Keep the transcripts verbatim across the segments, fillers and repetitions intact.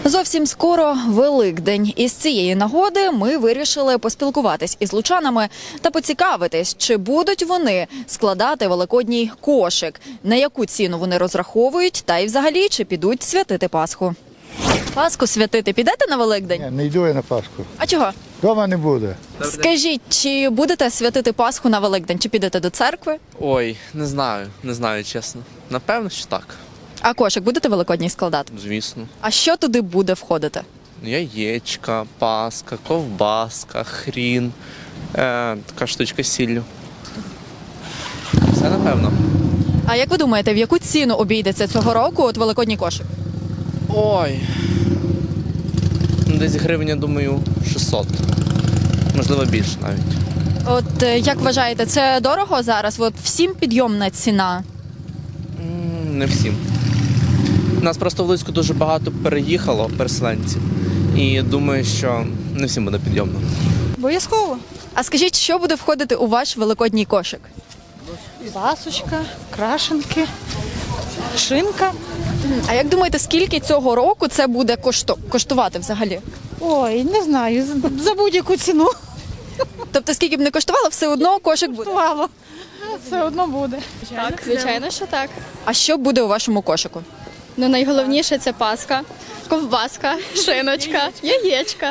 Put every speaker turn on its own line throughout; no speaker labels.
Зовсім скоро Великдень. Із цієї нагоди ми вирішили поспілкуватись із лучанами та поцікавитись, чи будуть вони складати великодній кошик, на яку ціну вони розраховують, та й взагалі, чи підуть святити Пасху. Пасху святити підете на Великдень?
Ні, не йду я на Пасху.
А чого?
Дома не буде.
Скажіть, чи будете святити Пасху на Великдень, чи підете до церкви?
Ой, не знаю, не знаю, чесно. Напевно, що так,
А кошик будете великодній складати?
звісно.
А що туди буде входити?
Яєчка, паска, ковбаска, хрін, е, така штучка з сіллю. Все напевно.
А як ви думаєте, в яку ціну обійдеться цього року от великодній кошик?
Ой. Ну, десь гривень, я думаю, шістсот. Можливо, більше навіть.
От е, як вважаєте, це дорого зараз? От всім підйомна ціна.
М, Не всім. У нас просто в Луцьку дуже багато переїхало переселенців. І думаю, що не всім буде підйомно.
Обов'язково.
А скажіть, що буде входити у ваш великодній кошик?
Пасочка, крашенки, шинка.
А як думаєте, скільки цього року це буде кошто- коштувати взагалі?
Ой, не знаю, за- за будь-яку ціну
Тобто, скільки б не коштувало, все одно кошик буде.
коштувало. Все одно буде.
Так, звичайно, що так.
А що буде у вашому кошику?
Ну найголовніше це паска, ковбаска, шиночка, яєчка.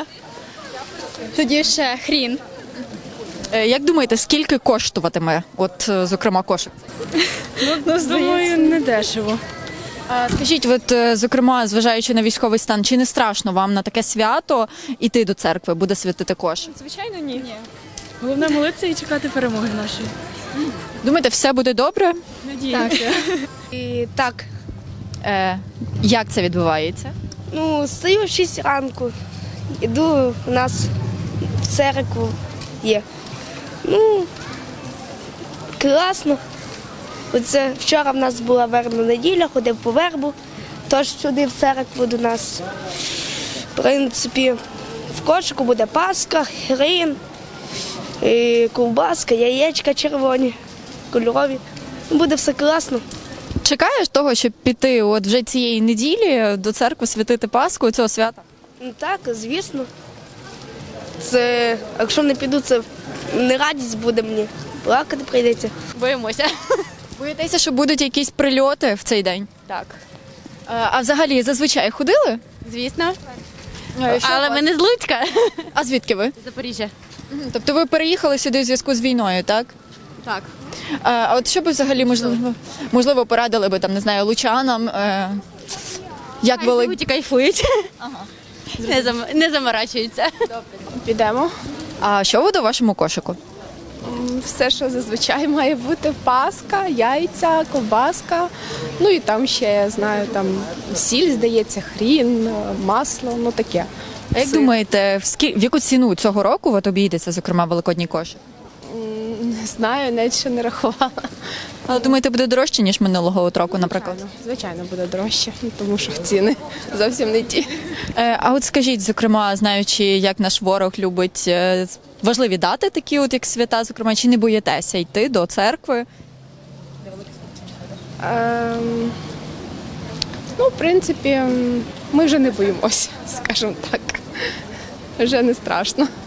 Тоді ще хрін.
Е, Як думаєте, скільки коштуватиме, от, е, зокрема, кошик?
Ну,
Думаю, не дешево.
А скажіть, от, е, зокрема, зважаючи на військовий стан, чи не страшно вам на таке свято іти до церкви, буде святити кошик?
звичайно, ні. ні.
Головне молитися і чекати перемоги нашої.
Думаєте, все буде добре?
Надіємося.
І так,
Е, Як це відбувається?
ну, стою в шість ранку, іду, у нас в церкву є. Ну, класно. Оце вчора в нас була вербна неділя, ходив по вербу, тож сюди в церкву до нас. В принципі, в кошику буде паска, хрін, і ковбаска, яєчка червоні, кольорові. Буде все класно.
Чекаєш того, щоб піти от вже цієї неділі до церкви святити Пасху цього свята?
Ну так, звісно. Це, якщо не піду, це не радість буде мені. Плакати прийдеться.
Боїмося.
Боїтеся, що будуть якісь прильоти в цей день?
Так.
Е, А взагалі зазвичай ходили?
Звісно.
Е, що у
Але
вас?
ми не з Луцька.
А звідки ви?
Запоріжжя.
Тобто ви переїхали сюди в зв'язку з війною, так?
Так.
Е, А от що би взагалі можливо, можливо порадили би там, не знаю, лучанам, е, як
Хай
вели...
живуть і кайфують. Не, зам... не заморачуються.
Підемо.
А що буде у вашому кошику?
Все, що зазвичай має бути: паска, яйця, ковбаска. Ну і там ще, я знаю, там сіль, здається, хрін, масло, ну таке.
А як
Сир.
думаєте, в, скі... в яку ціну цього року от обійдеться, зокрема, великодній кошик?
Не знаю, навіть ще не рахувала.
Але думаєте, буде дорожче, ніж минулого от року, наприклад?
Звичайно, звичайно, буде дорожче, ну, тому що ціни зовсім не ті.
Е, А от скажіть, зокрема, знаючи, як наш ворог любить е, важливі дати, такі от як свята, зокрема, чи не боїтеся йти до церкви?
Ем, ну, в принципі, м, ми вже не боїмося, скажімо так. Вже не страшно.